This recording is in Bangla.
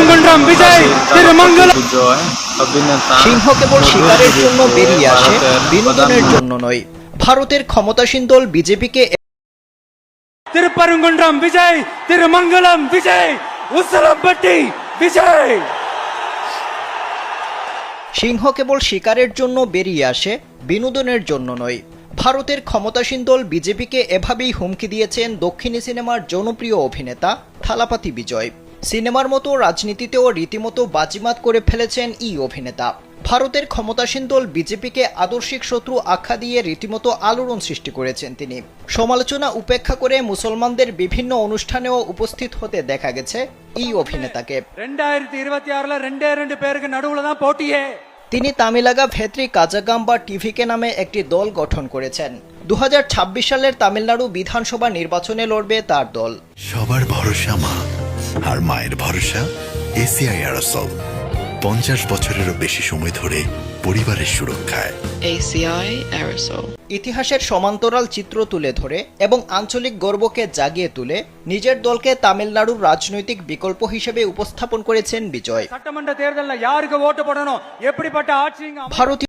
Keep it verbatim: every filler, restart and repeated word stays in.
তিরুপরঙ্কুন্ড্রম বিজয় তিরুমঙ্গলম। সিংহ কেবল শিকারের জন্য বেরিয়ে আসে, বিনোদনের জন্য নয়। ভারতের ক্ষমতাসীন দল বিজেপিকে তিরুপরঙ্কুন্ড্রম বিজয় তিরুমঙ্গলম বিজয় উসলম্পট্টি বিজয়। সিংহ কেবল শিকারের জন্য বেরিয়ে আসে, বিনোদনের জন্য নয়। ভারতের ক্ষমতাসীন দল বিজেপিকে এভাবেই হুমকি দিয়েছেন দক্ষিণী সিনেমার জনপ্রিয় অভিনেতা থালাপাতি বিজয়। সিনেমার মতো রাজনীতিতেও রীতিমতো বাজিমাত করে ফেলেছেন এই অভিনেতা। ভারতের ক্ষমতাসীন দল বিজেপিকে আদর্শিক শত্রু আখ্যা দিয়ে রীতিমতো আলোড়ন সৃষ্টি করেছেন তিনি। সমালোচনা উপেক্ষা করে মুসলমানদের বিভিন্ন অনুষ্ঠানেও উপস্থিত হতে দেখা গেছে এই অভিনেতাকে। ரெண்டாயிரத்தி இருபத்தி ஆறுல ரெண்டே ரெண்டு பேருக்கு நடுவுல தான் போட்டியே। তিনি তামিলাগা ভেত্রি কাজাগাম বা টিভিকে নামে একটি দল গঠন করেছেন। দু হাজার ছাব্বিশ সালের তামিলনাড়ু বিধানসভা নির্বাচনে লড়বে তার দল। সবার ভরসা মা, আর মায়ের ভরসা এসিআই অ্যারোসল। পঞ্চাশ বছরেরও বেশি সময় ধরে পরিবারের সুরক্ষায় এসিআই অ্যারোসল। ইতিহাসের সমান্তরাল চিত্র তুলে ধরে এবং আঞ্চলিক গর্বকে জাগিয়ে তুলে নিজের দলকে তামিলনাড়ুর রাজনৈতিক বিকল্প হিসেবে উপস্থাপন করেছেন বিজয়। சட்டமன்ற தேர்தல்ல யாருக்கு ஓட்டு போடணும், எப்படிப்பட்ட ஆட்சி ভারতীয়